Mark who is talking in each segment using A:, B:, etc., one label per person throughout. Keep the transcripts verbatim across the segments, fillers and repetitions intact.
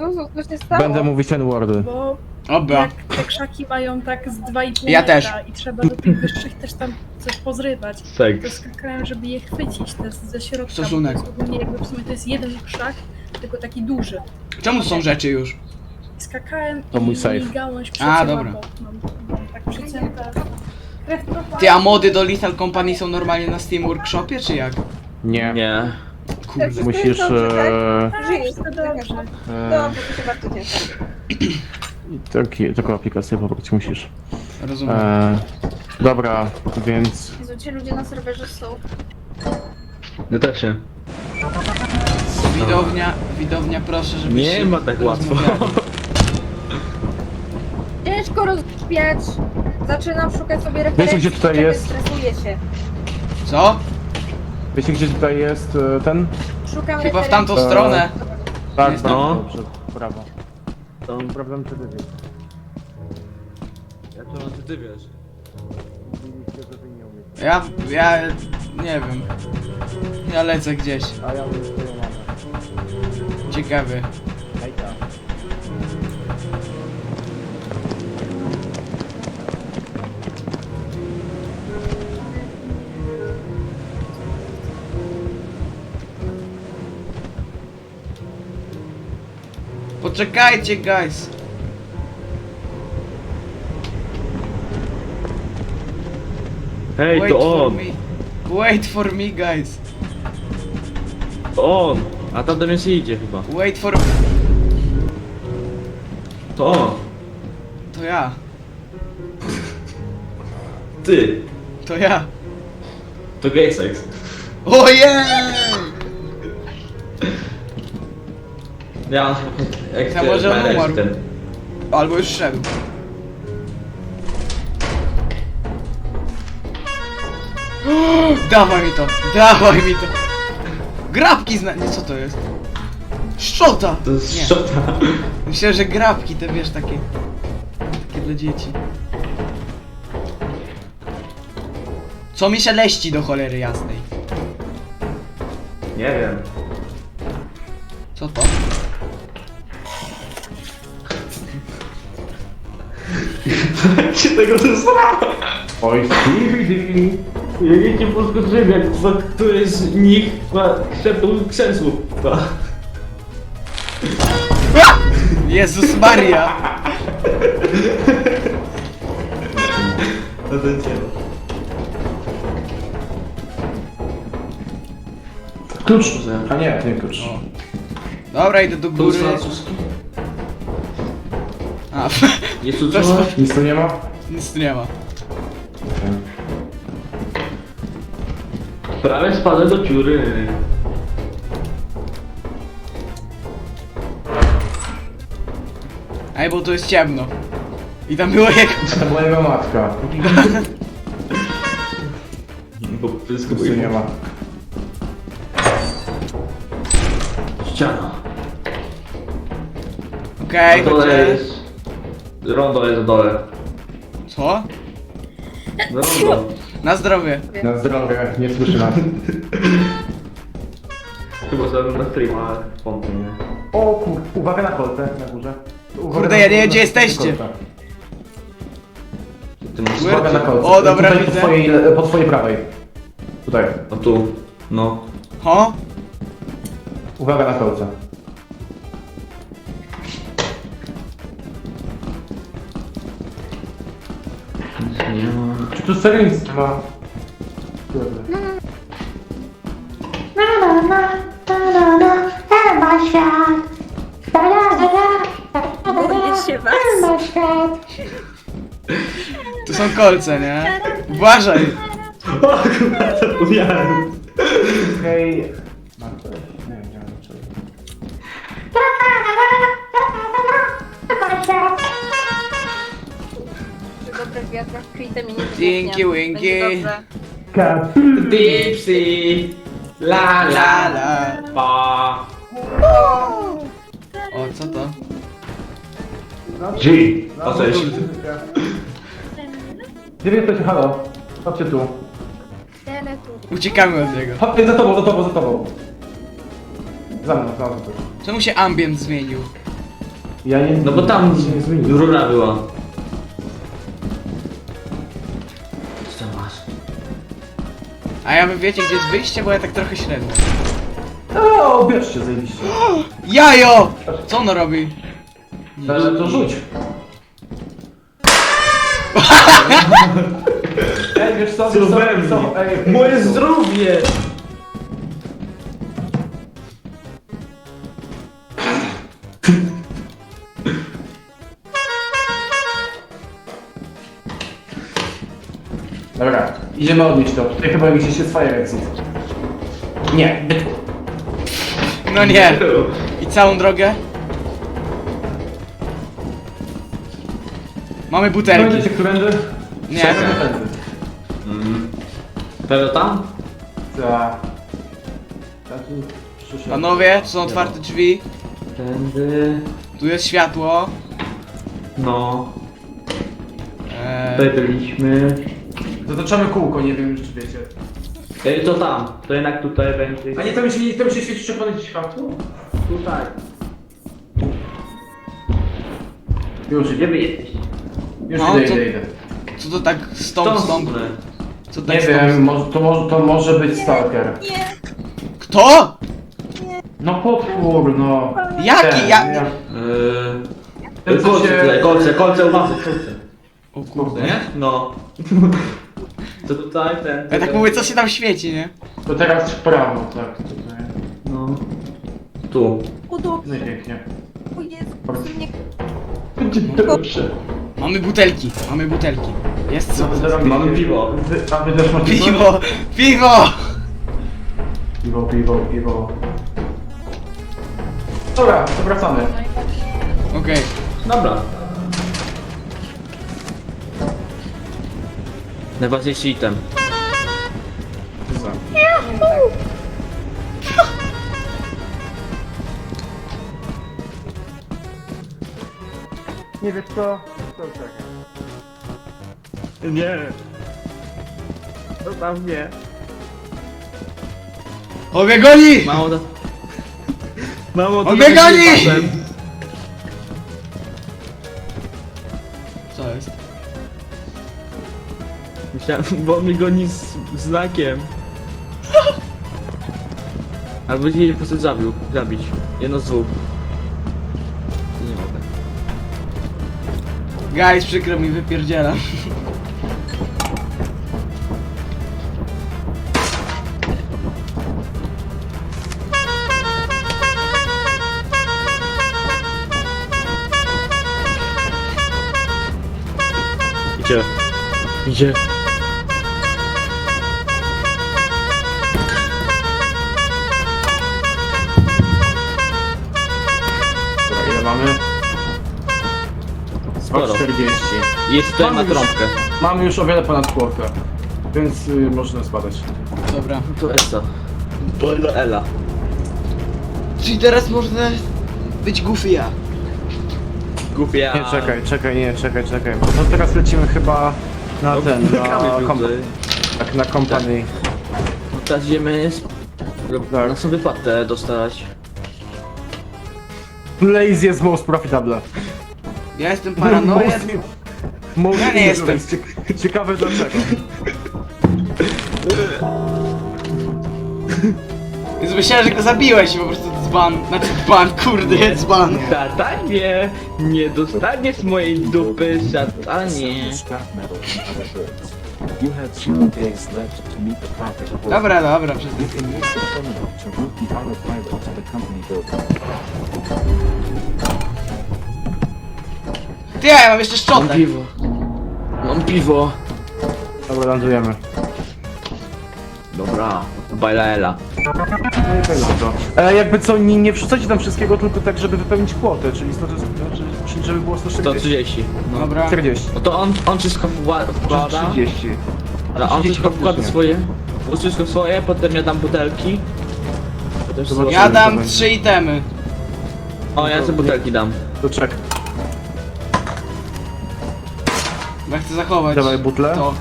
A: Zuzu, co się stało?
B: Będę mówić ten wordy.
C: Bo
D: Dobra.
C: jak te krzaki mają tak z dwa i pół
D: Ja
C: metra
D: też.
C: i trzeba do tych wyższych też tam coś pozrywać. To
E: Seks.
C: skakałem, żeby je chwycić też ze środka.
D: Stosunek.
C: Bo to jest ogólnie jakby w sumie to jest jeden krzak, tylko taki duży.
D: Czemu to są rzeczy już?
C: Skakałem
B: To mój
C: i
B: safe.
C: gałąź
D: A,
C: przecięła
D: dobra.
C: bok. Mam, mam tak przycięte. Krew propała.
D: Ty, a mody do Lethal Company są normalnie na Steam Workshopie, czy jak?
B: Nie.
E: Nie.
D: Kurde.
B: Musisz... E,
C: Tak,
A: Żyjesz,
C: wszystko dobrze.
B: e,
A: Dobrze, to się bardzo cieszę.
B: taki, taką aplikację pobrać musisz.
D: Rozumiem.
B: E, dobra, więc...
A: Jezu, ci ludzie na serwerze są.
E: No też się.
D: Widownia, widownia proszę, żebyś
E: Nie
D: się
E: ma tak łatwo.
D: rozmawiali.
A: Ciężko rozpiać. Zaczynam szukać sobie referencji.
B: Wiecie, gdzie tutaj
A: czekaj,
B: jest?
A: Stresuję się.
D: Co?
B: Wiecie, gdzie tutaj jest e, ten?
A: Szukam
D: Chyba w
A: referencji.
D: tamtą
B: Eee.
D: stronę.
B: Tak,
D: Jest
B: bardzo
E: tam.
B: dobrze, brawo. To sprawdzam, czy ty wiesz.
E: Ja to ty wiesz.
B: Mówiliście, że wy nie umiecie.
D: Ja, ja, nie wiem. Ja lecę gdzieś.
B: A ja umiem swoją mamę.
D: Ciekawy.
B: Hejka.
D: Poczekajcie, guys.
E: Hej,
D: Wait
E: to
D: for
E: on!
D: me. Wait for me, guys.
E: To on! A tam do mnie się idzie chyba.
D: Wait for...
E: To on!
D: To ja.
E: Ty!
D: To ja.
E: To gay sex.
D: Ojej!
E: Ja jak
D: Ja może on umarł.
E: ten.
D: Albo już szedł. Dawaj mi to, dawaj mi to. Grabki zna... Nie, co to jest? Szczota!
E: To jest
D: Nie.
E: szczota.
D: Myślę, że grabki te, wiesz, takie... Takie dla dzieci. Co mi się leści do cholery jasnej?
E: Nie wiem.
D: Co to?
E: Jak się tego dostało?
B: Oj, Stevie!
E: Ja nie cię podskoczyłem, jak któryś z nich ma krzepnął krzesło.
D: Jezus Maria!
E: No to cię.
B: Klucz! A nie, nie klucz.
D: O. Dobra, idę do góry. A,
E: Jest tu
D: To
E: coś?
B: Nic tu nie ma?
D: nic tu nie ma.
E: Prawie spadłem do dziury.
D: Ej, bo tu jest ciemno. I tam było jego...
B: To była jego matka.
E: Bo wszystko
B: Nic tu nie ma.
E: Ściana.
D: Okej,
E: Na dole
D: chodźcie.
E: jest... Rondo jest na dole.
D: Co?
E: No rondo.
D: Na zdrowie.
B: Na zdrowie, nie słyszy nas.
E: Chyba zrobię na streama, ale wątpię, nie?
B: O kur... Uwaga na kolce, na górze. Uwaga
D: Kurde,
B: na-
D: ja nie wiem, gdzie
B: na-
D: jesteście.
B: kolce.
E: Ty masz...
D: Where-
B: Uwaga na kolce.
D: O, dobra,
B: Tutaj po
D: widzę.
B: twojej, po twojej prawej. Tutaj.
E: O tu. No.
D: Ho?
B: Uwaga na kolce.
E: Nic nie ma.
B: Czy tu serio nic nie ma? Kurde.
A: Boję się was.
D: Tu są kolce, nie? Uważaj!
E: O kurwa, zapomniałem.
B: Okej... Marta, nie wiem, nie wiem dlaczego.
A: Przy dobrych wiatrach kwitę mi nie
D: Dzięki,
A: wybuchnie.
D: Winki.
A: Będzie dobrze.
E: Dipsy. La la la. Pa.
D: O, co to?
E: G. O cześć.
B: Gdzie wy jesteście? Halo? Chodźcie tu.
A: Tyle tu.
D: Uciekamy od niego.
B: Chodźcie za tobą, za tobą, za tobą. Za mną, za mną.
D: Czemu się ambient zmienił?
B: Ja nie...
E: No bo tam
B: się nie zmieniło.
E: rura była. Co tam masz?
D: A ja wy wiecie gdzie jest wyjście, bo ja tak trochę średnio.
B: O, bierzcie, zajebiście.
D: Jajo! Co ono robi?
B: Ale to rzuć. Ej, wiesz co, wiesz co, wiesz co? Ej,
E: Moje zdrowie!
B: Dobra, idziemy odnieść to. Tutaj chyba gdzieś jest fire exit. Nie, byt.
D: No nie. I całą drogę? Mamy butelki.
B: Będziecie którędy?
D: Nie.
B: Czekamy tędy.
E: Mm. Pewno tam?
B: Tak. Ja tu przyszedłem.
D: Panowie, tu są otwarte drzwi.
E: Tędy...
D: Tu jest światło.
E: No...
D: Eee,
E: Tutaj byliśmy...
B: Zataczamy kółko, nie wiem już czy wiecie.
E: Ej, to tam. To jednak tutaj będzie...
B: A nie, tam się, tam się świeci czerwone światło?
E: Tutaj.
B: Już
E: Gdzie
B: idę,
E: wy jesteś?
B: już
D: No,
B: idę,
D: to-
B: idę, idę.
D: co to tak stąd, stąd? Co tak
B: Nie
D: stąd?
B: wiem, może, to, może, to może być stalker.
D: Kto?
B: No potwór, no.
D: Jaki?
B: Ten,
D: Ja...
B: ja-
E: Eee...
B: Ten, co
E: Kolce
B: się-
E: tutaj, kolce, kolce, uważaj, kolce.
D: O kurde.
E: Nie? No. To tutaj, ten...
D: Ja tak mówię, co się tam świeci, nie?
B: To teraz w prawo, tak. Tutaj.
E: No. Tu.
A: Udo,
B: No i pięknie.
A: o Jezu, mnie
B: Będzie dobrze.
D: Mamy butelki, mamy butelki. Jest co?
E: Mamy piwo.
B: Wy, a wy też macie coś?
D: Piwo! Piwo!
B: Piwo, piwo, piwo. Dobra, to wracamy.
D: Okej.
E: Dobra. Najważniejszy item.
B: Nie wiesz co? To czekaj.
E: Nie. To tam nie.
D: On mnie goni!
E: Mało to... Mało
D: On mnie goni! Co jest?
E: Myślałem, bo on mnie goni z znakiem. Albo nie po prostu zabił, zabić. Jedno z dwóch. To nie mogę.
D: Guys, przykro mi, wypierdzielam.
E: Idzie. Idzie.
B: Dobra, ile mamy?
E: Sporo.
B: czterdzieści.
E: Jest tutaj
B: Mamy
E: ma
B: już-
E: trąbkę.
B: Mamy już o wiele ponad kłopę. Więc y, można spadać.
D: Dobra.
E: To Esa. To Ela.
D: Czyli teraz można być goofy ja.
E: Głupia.
B: Nie, czekaj, czekaj, nie, czekaj, czekaj. No teraz lecimy chyba na ten, na, komp tak, na company.
E: Teraz idziemy z...
B: Tak.
E: na sobie wypłatę dostać.
B: Lazy jest most profitable.
D: Ja jestem paranoja.
B: Most
D: Ja nie jestem.
B: Ciek- Ciekawe dlaczego.
D: Więc myślałem, że go zabiłeś i po prostu dzban. Znaczy dzban, kurde, dzban.
E: Szatanie, nie dostaniesz mojej dupy, szatanie.
F: Scrap metal and other goods. You have zero days left to meet the profit quota.
D: Dobra, dobra, przestań.
F: You can use the terminal to route the autopilot to the company building.
D: Ty, ja mam jeszcze
E: Mam
D: szczotę.
E: piwo. Mam piwo.
B: Dobra, lądujemy.
E: Dobra, bajla Ela.
B: No i tak dobrze. E, jakby co, nie, nie wrzucajcie tam wszystkiego, tylko tak, żeby wypełnić kwotę, czyli, sto, czyli, czyli żeby było sto
E: sto
B: czterdzieści.
E: trzydzieści.
D: Dobra.
B: czterdzieści.
E: No to on, on wszystko wła- wkłada.
B: trzydzieści.
E: Ale on
B: trzydzieści
E: wszystko wkłada
B: faktycznie.
E: swoje. On wszystko swoje, potem ja dam butelki. Potem
B: Zobaczymy.
D: Ja
B: to
D: dam
B: będzie.
D: trzy itemy.
E: O, ja sobie butelki dam.
B: To czek.
D: Bo ja chcę zachować.
B: Dawaj butlę.
D: To.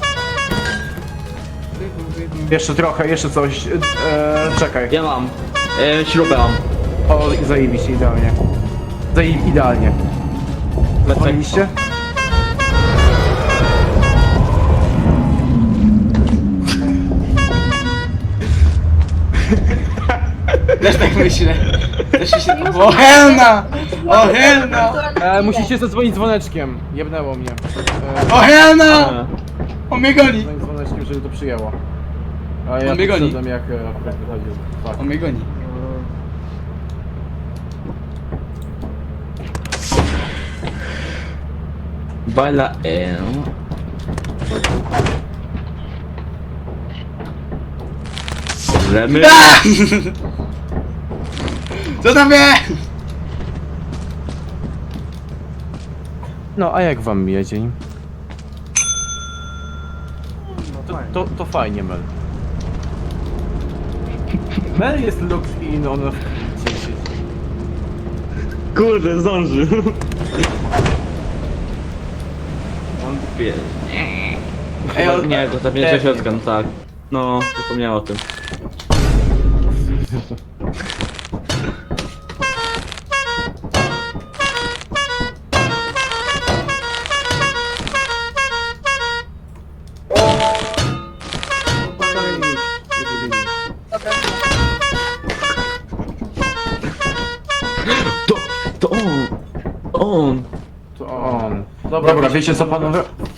B: Jeszcze trochę, jeszcze coś. E, czekaj.
E: Ja mam. E, śrubę mam.
B: O, zajebiście, idealnie. Zaje- idealnie. Dzwoniliście?
D: Też tak myślę. Też myślę. O helna! O helna!
B: E, musicie zadzwonić dzwoneczkiem. Jebnęło mnie. E,
D: O helna!
E: A,
D: On mnie goni!
B: dzwonić dzwoneczkiem, żeby to przyjęło. A ja
D: On mnie goni.
B: podszedłem, jak e, akurat wychodził. Tak.
D: On mnie goni.
E: Baila e. Remy?
D: A! Co tam wie?
B: No, a jak wam mija dzień? To, to, to fajnie, Mel. Mel jest locked in, on w gdzie siedzi.
E: Kurde, zdążył. On wie.
D: Ej, on...
E: Nie, to pewnie
B: Pewnie.
E: środka, no tak. No, zapomniałem o tym.
A: Dobra.
E: To, to on! On!
B: To on. Dobra, Dobra wiecie co panowie?